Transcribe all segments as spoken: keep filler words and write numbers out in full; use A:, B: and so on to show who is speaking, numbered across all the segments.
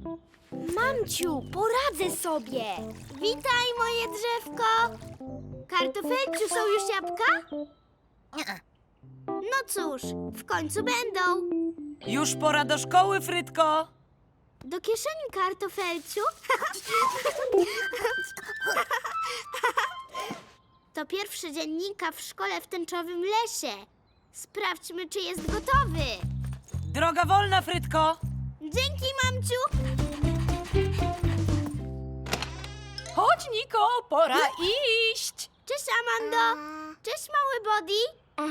A: Mamciu, poradzę sobie. Witaj, moje drzewko. Kartofelciu, są już jabłka? No cóż, w końcu będą.
B: Już pora do szkoły, Frytko.
A: Do kieszeni, kartofelciu. To pierwszy dzień Nika w szkole w tęczowym lesie. Sprawdźmy, czy jest gotowy.
B: Droga wolna, Frytko.
A: Dzięki, mamciu.
C: Chodź, Niko, pora iść.
A: Cześć, Amando. Cześć, mały Body.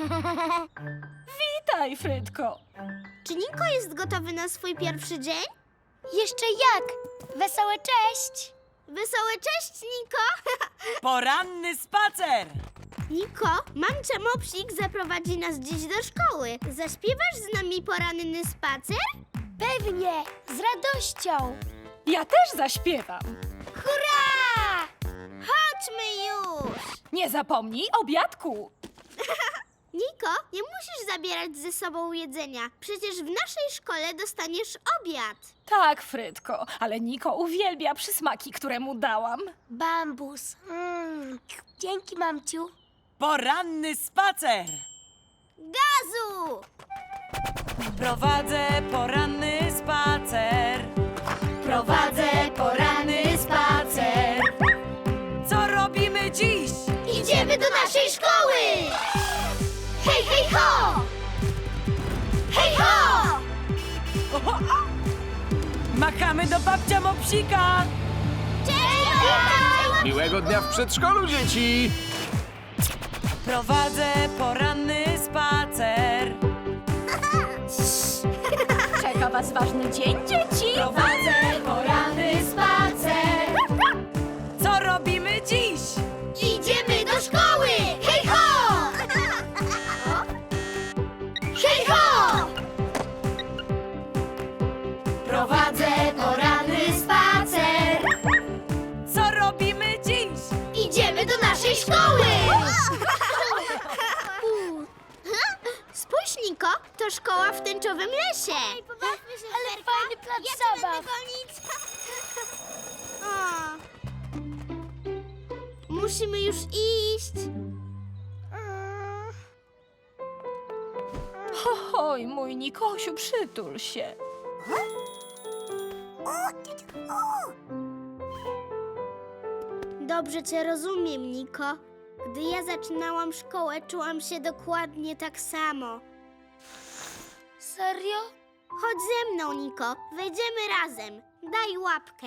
C: Witaj, Frytko.
A: Czy Niko jest gotowy na swój pierwszy dzień?
D: Jeszcze jak? Wesołe cześć!
A: Wesołe cześć, Niko.
B: Poranny spacer.
A: Niko, mamcia Mopsik zaprowadzi nas dziś do szkoły. Zaśpiewasz z nami poranny spacer?
D: Pewnie, z radością!
C: Ja też zaśpiewam.
A: Hurra! Chodźmy już!
C: Nie zapomnij obiadku.
A: Niko, nie musisz zabierać ze sobą jedzenia. Przecież w naszej szkole dostaniesz obiad.
C: Tak, Frytko, ale Niko uwielbia przysmaki, które mu dałam.
D: Bambus. Mm. Dzięki, mamciu.
B: Poranny spacer.
A: Gazu!
B: Prowadzę poranny spacer.
A: Prowadzę poranny spacer.
B: Co robimy dziś?
A: Idziemy do naszej szkoły! Hej, hej, ho! Hej, ho!
B: Machamy do babcia Mopsika.
A: Cześć, babciu!
E: Miłego dnia w przedszkolu, dzieci!
B: Prowadzę poranny spacer.
C: Czeka was ważny dzień, dzieci.
B: Prowadzę
A: poranny spacer.
B: Co robimy dziś?
A: Idziemy do szkoły! Hej, ho! Hej, ho!
B: Prowadzę
A: poranny spacer.
B: Co robimy dziś?
A: Idziemy do naszej szkoły! Spójrz, Niko, to szkoła w tęczowym lesie. Ej, pobawmy się,
D: Ale fajny plac
A: ja cię
D: zabaw.
A: będę gonić. O. Musimy już iść.
C: Oj, mój Nikosiu, przytul się.
A: Dobrze cię rozumiem, Niko. Gdy ja zaczynałam szkołę, czułam się dokładnie tak samo.
D: Serio?
A: Chodź ze mną, Niko. Wejdziemy razem. Daj łapkę.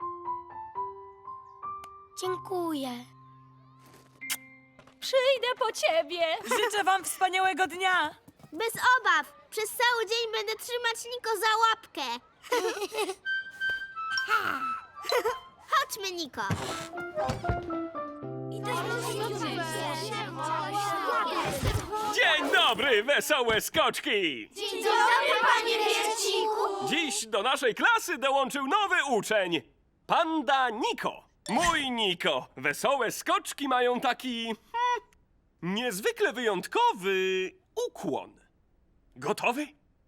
D: Dziękuję.
C: Przyjdę po ciebie.
B: Życzę wam wspaniałego dnia.
A: Bez obaw. Przez cały dzień będę trzymać Niko za łapkę. Chodźmy, Niko.
F: Dzień dobry, wesołe skoczki!
A: Dzień dobry, panie Wierciku.
F: Dziś do naszej klasy dołączył nowy uczeń. Panda Niko. Mój Niko. Wesołe skoczki mają taki... Hmm, niezwykle wyjątkowy ukłon. Gotowy?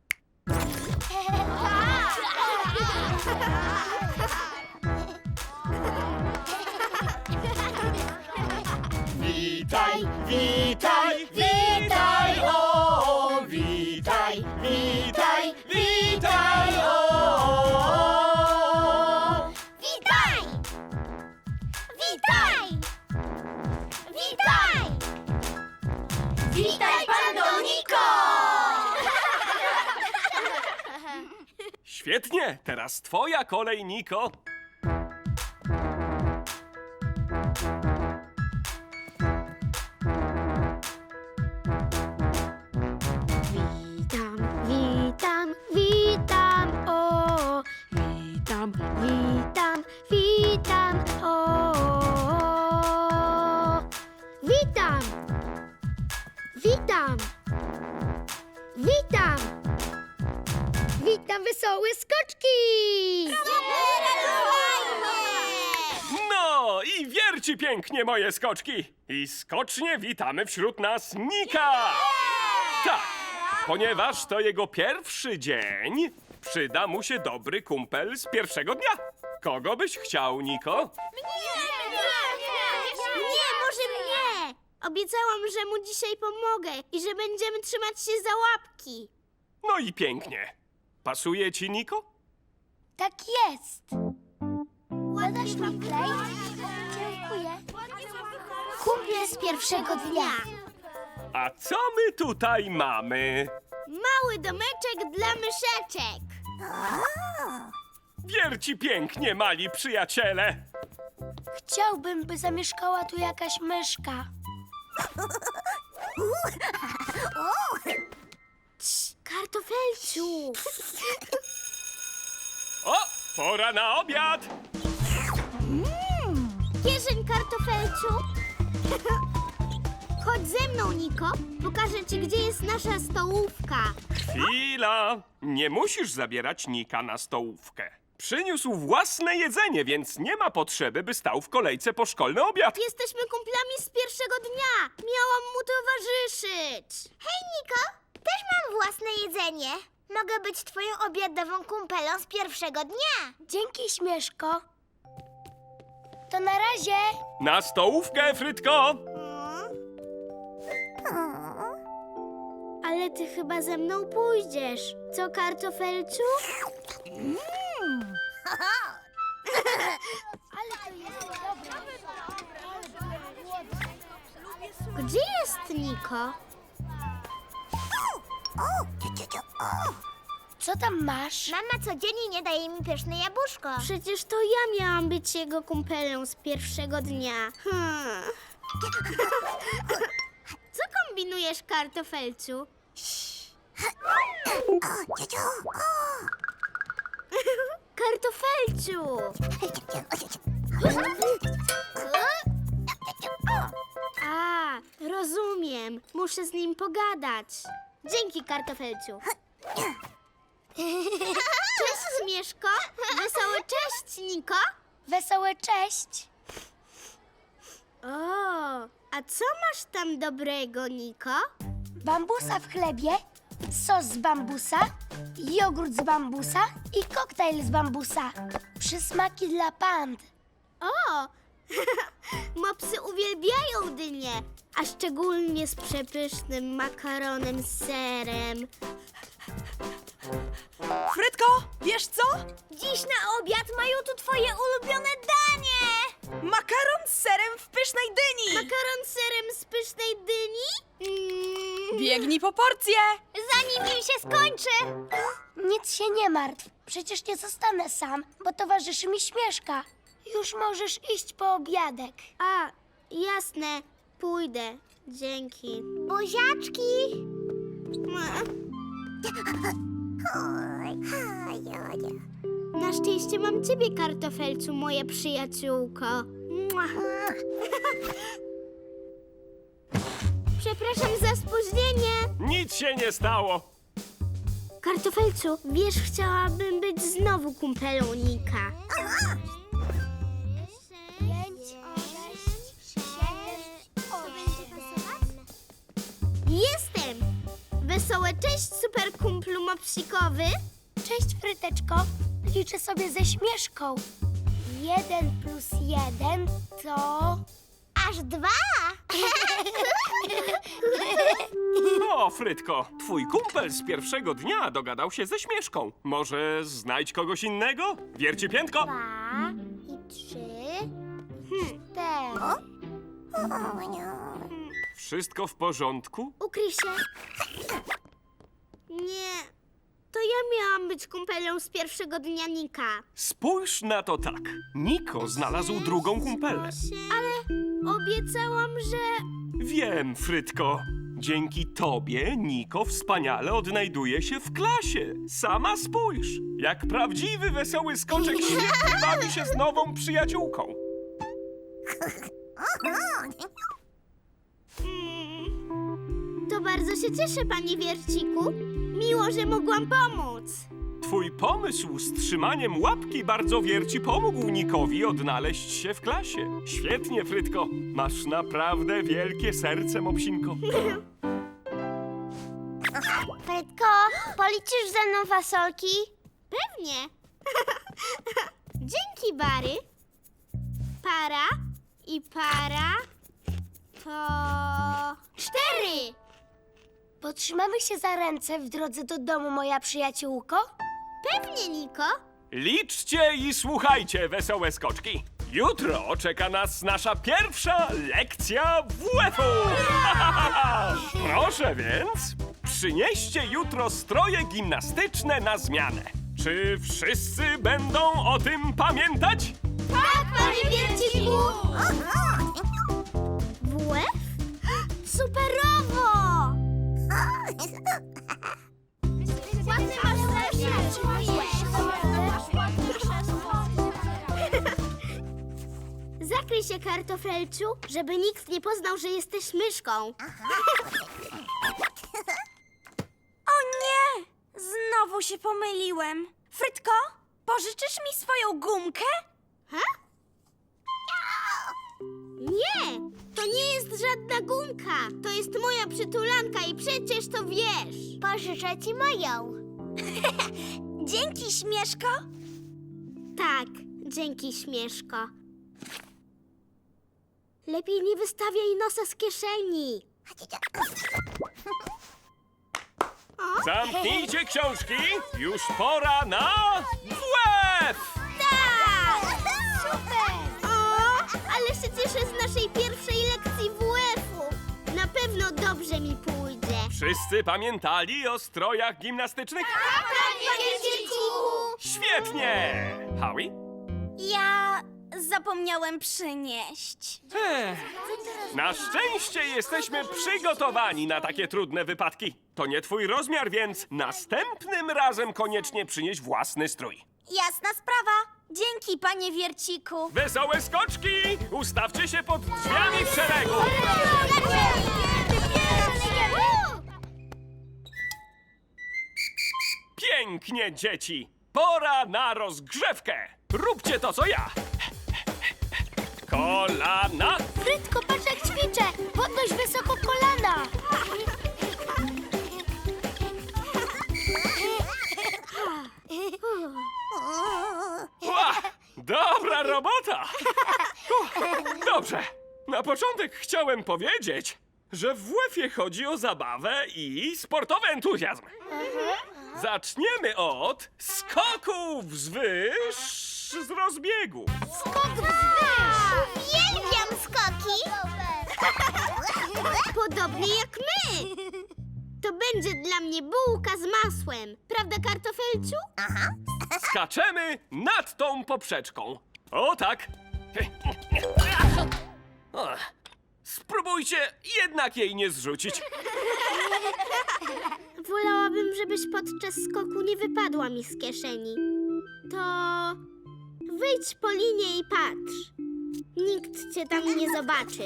G: Witaj, witaj, witaj, o, witaj, witaj, witaj, o.
A: Witaj! Witaj! Witaj! Witaj, pando Niko!
F: Świetnie, teraz twoja kolej, Niko.
A: Witam, witam, witam, o! Witam, witam, witam, o! Witam! Witam! Witam! Witam, wesołe skoczki!
F: No i wierci pięknie, moje skoczki. I skocznie witamy wśród nas Nika. Tak, ponieważ to jego pierwszy dzień, Przyda mu się dobry kumpel z pierwszego dnia. Kogo byś chciał, Niko?
A: Nie, może mnie! Obiecałam, że mu dzisiaj pomogę i że będziemy trzymać się za łapki.
F: No i pięknie. Pasuje ci, Niko?
D: Tak jest. Podasz mi klej? Dziękuję. Kumple z pierwszego dnia.
F: A co my tutaj mamy?
A: Mały domeczek dla myszeczek.
F: Wierci pięknie, mali przyjaciele.
D: Chciałbym, by zamieszkała tu jakaś myszka.
A: Cii, kartofelciu.
F: O, pora na obiad.
A: Kieszeń kartofelciu. Chodź ze mną, Niko. Pokażę ci, gdzie jest nasza stołówka.
F: Chwila. Nie musisz zabierać Nika na stołówkę. Przyniósł własne jedzenie, więc nie ma potrzeby, by stał w kolejce po szkolny obiad.
A: Jesteśmy kumplami z pierwszego dnia. Miałam mu towarzyszyć.
H: Hej, Niko, też mam własne jedzenie. Mogę być twoją obiadową kumpelą z pierwszego dnia.
D: Dzięki, Śmieszko. To na razie.
F: Na stołówkę, Frytko.
A: Ale ty chyba ze mną pójdziesz. Co, kartofelciu? Gdzie jest Niko?
D: Co tam masz?
H: Mama codziennie nie daje mi pyszne jabłuszko.
A: Przecież to ja miałam być jego kumpelą z pierwszego dnia. Hmm. Co kombinujesz, kartofelciu? Kartofelciu! A, rozumiem. Muszę z nim pogadać. Dzięki, kartofelciu. Cześć, Śmieszko. Wesoły cześć, Niko.
D: Wesołe cześć.
A: O, a co masz tam dobrego, Niko?
D: Bambusa w chlebie, sos z bambusa, jogurt z bambusa i koktajl z bambusa. Przysmaki dla pand.
A: O, mopsy uwielbiają dynię, a szczególnie z przepysznym makaronem z serem.
B: Frytko, wiesz co?
H: Dziś na obiad mają tu twoje ulubione danie.
B: Makaron z serem w pysznej dyni.
A: Makaron z serem z pysznej dyni? Mm.
B: Biegnij po porcję.
H: Zanim im się skończy.
D: Nic się nie martw. Przecież nie zostanę sam, bo towarzyszy mi Śmieszka. Już możesz iść po obiadek.
A: A, jasne, pójdę. Dzięki.
H: Buziaczki.
A: Na szczęście mam ciebie, kartofelcu, moja przyjaciółko. Mua. Przepraszam za spóźnienie.
F: Nic się nie stało.
A: Kartofelcu, wiesz, chciałabym być znowu kumpelą Nika.
D: Pięć, sześć, siedem, osiem.
A: Jestem! Wesołe cześć, super kumplu mopsikowy.
D: Cześć, Fryteczko. Liczę sobie ze Śmieszką. Jeden plus jeden to...
H: Aż dwa.
F: O, Frytko, twój kumpel z pierwszego dnia dogadał się ze Śmieszką. Może znajdź kogoś innego? Wierci piętko.
H: Dwa i trzy. Cztery.
F: Wszystko w porządku?
A: Ukryj się. Nie, to ja miałam być kumpelą z pierwszego dnia Nika.
F: Spójrz na to tak. Niko znalazł drugą kumpelę.
A: Ale obiecałam, że...
F: Wiem, Frytko. Dzięki tobie Niko wspaniale odnajduje się w klasie. Sama spójrz. Jak prawdziwy wesoły skoczek świetnie bawi się z nową przyjaciółką.
A: To bardzo się cieszę, panie Wierciku. Miło, że mogłam pomóc.
F: Twój pomysł z trzymaniem łapki bardzo wierci pomógł Nikowi odnaleźć się w klasie. Świetnie, Frytko. Masz naprawdę wielkie serce, mopsinko.
H: Frytko, policzysz ze mną fasolki?
A: Pewnie. Dzięki, Bary. Para i para to cztery.
D: Potrzymamy się za ręce w drodze do domu, moja przyjaciółko?
A: Pewnie, Niko.
F: Liczcie i słuchajcie, wesołe skoczki. Jutro czeka nas nasza pierwsza lekcja W F-u. Proszę więc, przynieście jutro stroje gimnastyczne na zmianę. Czy wszyscy będą o tym pamiętać?
A: Tak, panie Wierciku. W F? Superowo! Ładny masz Zakryj się, kartofelciu, żeby nikt nie poznał, że jesteś myszką.
B: O nie! Znowu się pomyliłem. Frytko, pożyczysz mi swoją gumkę?
A: Ha? Nie, to nie jest żadna gumka. To jest moja przytulanka i przecież to wiesz.
H: Pożyczę ci moją.
B: Dzięki, Śmieszko.
A: Tak, dzięki, Śmieszko. Lepiej nie wystawiaj nosa z kieszeni.
F: Zamknijcie książki, już pora na W F!
A: Tak! Super! O, ale się cieszę z naszej pierwszej lekcji W F-u. Na pewno dobrze mi pójdzie.
F: Wszyscy pamiętali o strojach gimnastycznych?
A: Tak, panie Wierciku!
F: Świetnie! Howie?
B: Ja zapomniałem przynieść.
F: Ech, na szczęście jesteśmy przygotowani na takie trudne wypadki. To nie twój rozmiar, więc następnym razem koniecznie przynieś własny strój.
B: Jasna sprawa. Dzięki, panie Wierciku.
F: Wesołe skoczki! Ustawcie się pod drzwiami w szeregu! Pięknie, dzieci! Pora na rozgrzewkę! Róbcie to, co ja! Kolana!
D: Frytko, patrz jak ćwiczę! Podnoś wysoko kolana!
F: Ła! Dobra robota! Uff, dobrze, na początek chciałem powiedzieć, że w W F-ie chodzi o zabawę i sportowy entuzjazm. Zaczniemy od skoku wzwyż z rozbiegu.
A: Skok wzwyż!
H: Uwielbiam skoki.
A: Podobnie jak my! To będzie dla mnie bułka z masłem. Prawda, kartofelciu?
F: Skaczemy nad tą poprzeczką. O tak. O, spróbujcie jednak jej nie zrzucić.
A: Wolałabym, żebyś podczas skoku nie wypadła mi z kieszeni. To wyjdź po linie i patrz. Nikt cię tam nie zobaczy.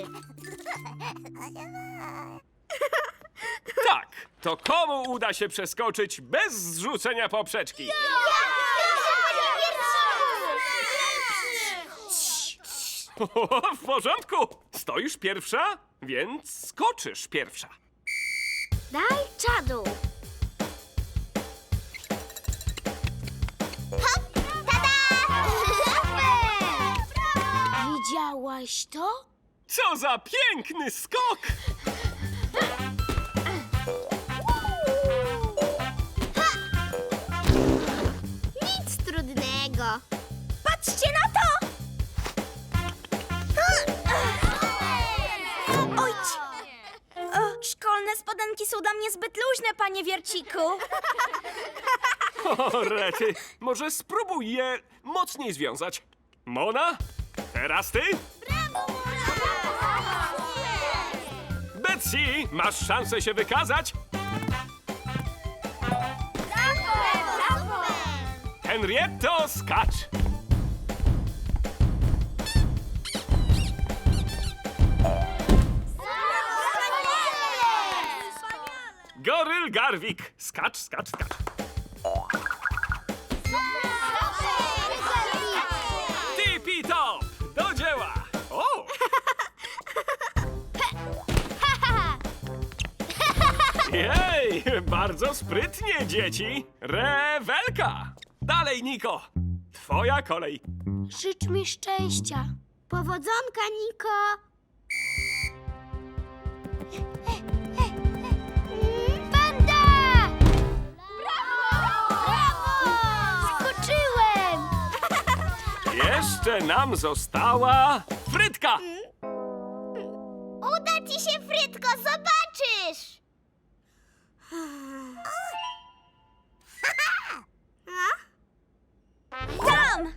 F: Tak, to komu uda się przeskoczyć bez zrzucenia poprzeczki? W porządku. Stoisz pierwsza, więc skoczysz pierwsza.
A: Daj czadu.
D: Widziałaś to?
F: Co za piękny skok!
A: Nic trudnego.
B: Patrzcie na to! Ojć! O, szkolne spodenki są dla mnie zbyt luźne, panie Wierciku.
F: O, rety, może spróbuj je mocniej związać. Mona, teraz ty? Betsy, masz szansę się wykazać. Henrietto, skacz! Goryl Garwik, skacz, skacz, skacz. Tipi top, do dzieła! O! Jej, bardzo sprytnie, dzieci. Rewelka! Dalej, Niko! Twoja kolej.
D: Życz mi szczęścia.
A: Powodzonka, Niko!
D: Panda! Brawo! Brawo! Skoczyłem!
F: Jeszcze nam została Frytka!
H: Uda ci się, Frytko, zobaczysz!
B: Tam!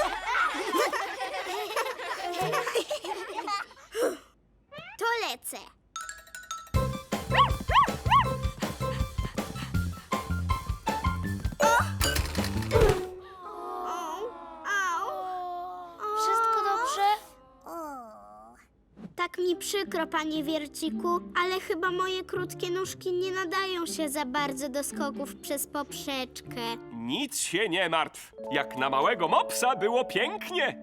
H: To lecę.
D: Wszystko dobrze?
A: Tak mi przykro, panie Wierciku, ale chyba moje krótkie nóżki nie nadają się za bardzo do skoków przez poprzeczkę.
F: Nic się nie martw. Jak na małego mopsa było pięknie.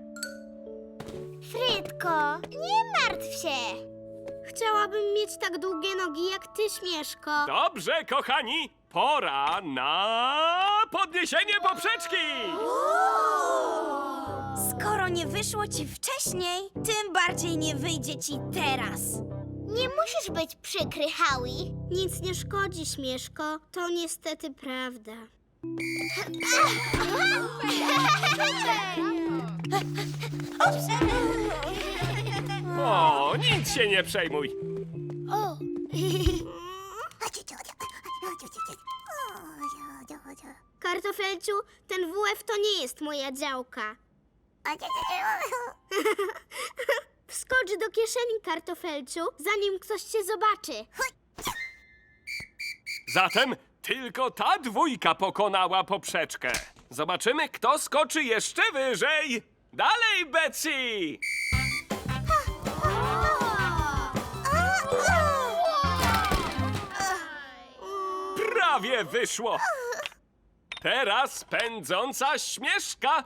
H: Frytko, nie martw się.
A: Chciałabym mieć tak długie nogi jak ty, Śmieszko.
F: Dobrze, kochani, pora na podniesienie poprzeczki!
B: Skoro nie wyszło ci wcześniej, tym bardziej nie wyjdzie ci teraz.
H: Nie musisz być przykry, Howie.
A: Nic nie szkodzi, Śmieszko. To niestety prawda.
F: O, nic się nie przejmuj.
D: O!
A: Kartofelciu, ten W F to nie jest moja działka. Wskocz do kieszeni, Kartofelciu, zanim ktoś cię zobaczy.
F: Zatem tylko ta dwójka pokonała poprzeczkę. Zobaczymy, kto skoczy jeszcze wyżej. Dalej, Betsy! Prawie wyszło. Teraz pędząca Śmieszka.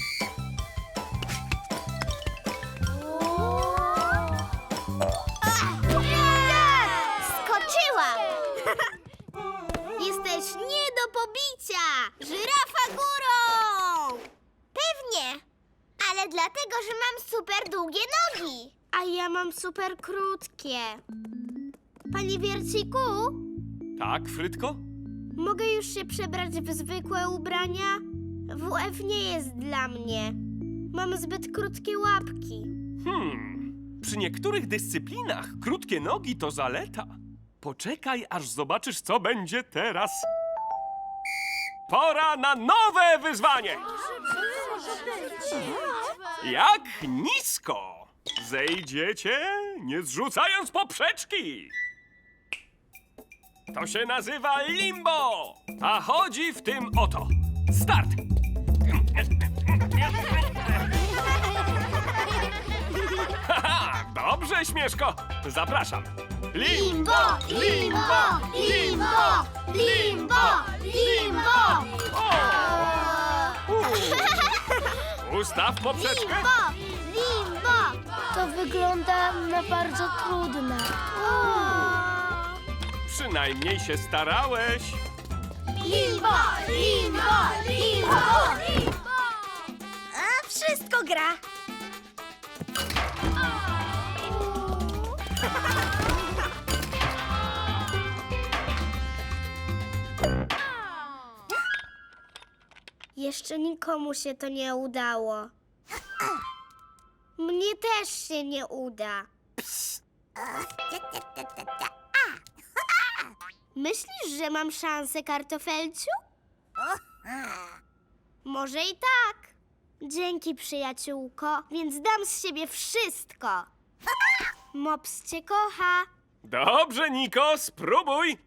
H: Skoczyłam.
A: Jesteś nie do pobicia! Żyrafa górą!
H: Pewnie. Ale dlatego, że mam super długie nogi.
A: A ja mam super krótkie. Panie Wierciku,
F: Tak, Frytko?
A: mogę już się przebrać w zwykłe ubrania? W F nie jest dla mnie. Mam zbyt krótkie łapki.
F: Hmm. Przy niektórych dyscyplinach krótkie nogi to zaleta. Poczekaj, aż zobaczysz, co będzie teraz. Pora na nowe wyzwanie! Jak nisko zejdziecie, nie zrzucając poprzeczki? To się nazywa limbo, a chodzi w tym oto. Start! Haha, dobrze, Śmieszko. Zapraszam. Limbo, limbo, limbo, limbo, limbo. Ustaw poprzeczkę.
H: Limbo!
D: To wygląda na bardzo trudne.
F: Przynajmniej się starałeś.
H: Limbo! Limbo! Limbo!
B: A wszystko gra.
A: Jeszcze nikomu się to nie udało. Mnie też się nie uda. Myślisz, że mam szansę, Kartofelciu? Może i tak. Dzięki, przyjaciółko, więc dam z siebie wszystko. Mops cię kocha.
F: Dobrze, Niko, spróbuj.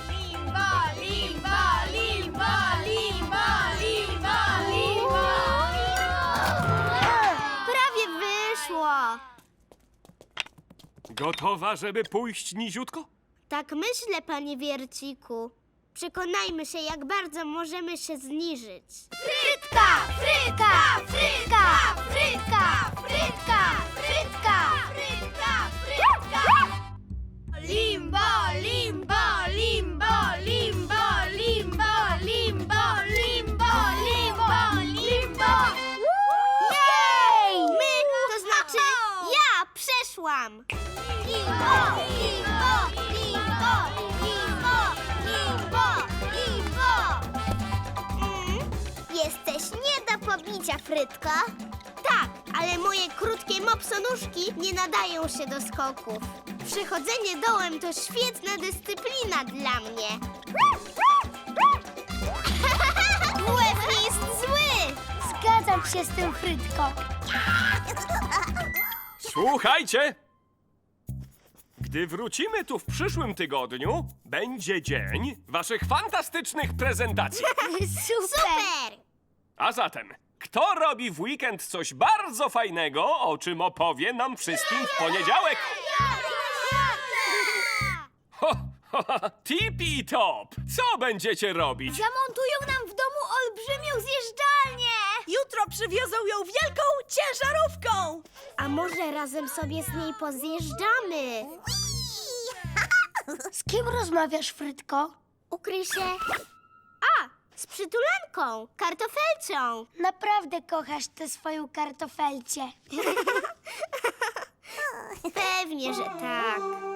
A: Prawie wyszło.
F: Gotowa, żeby pójść niziutko?
A: Tak myślę, panie Wierciku. Przekonajmy się, jak bardzo możemy się zniżyć.
H: Frytka! Frytka! Frytka! Frytka! Frytka! Frytka! Frytka! Frytka! Limbo! Limbo! Limbo! Limbo! Limbo! Limbo! Limbo! Limbo!
A: wiedziałam.
H: Limbo, limbo, limbo, limbo, limbo, limbo. Mm, jesteś nie do pobicia, Frytko.
A: Tak, ale moje krótkie mopsonóżki nie nadają się do skoków. Przechodzenie dołem to świetna dyscyplina dla mnie. Łeb nie jest zły!
D: Zgadzam się z tym, Frytko.
F: Słuchajcie! Gdy wrócimy tu w przyszłym tygodniu, będzie dzień waszych fantastycznych prezentacji.
D: Super!
A: Super!
F: A zatem, kto robi w weekend coś bardzo fajnego, o czym opowie nam wszystkim w poniedziałek? Ho, ho, ho, tipi top! Co będziecie robić?
B: Zamontują nam w domu olbrzymią zjeżdżalnię! Jutro przywiozą ją wielką ciężarówką!
A: A może razem sobie z niej pozjeżdżamy?
D: Z kim rozmawiasz, Frytko?
A: Ukryj się. A, z przytulanką, kartofelcią.
D: Naprawdę kochasz tę swoją kartofelcię.
A: Pewnie, że tak.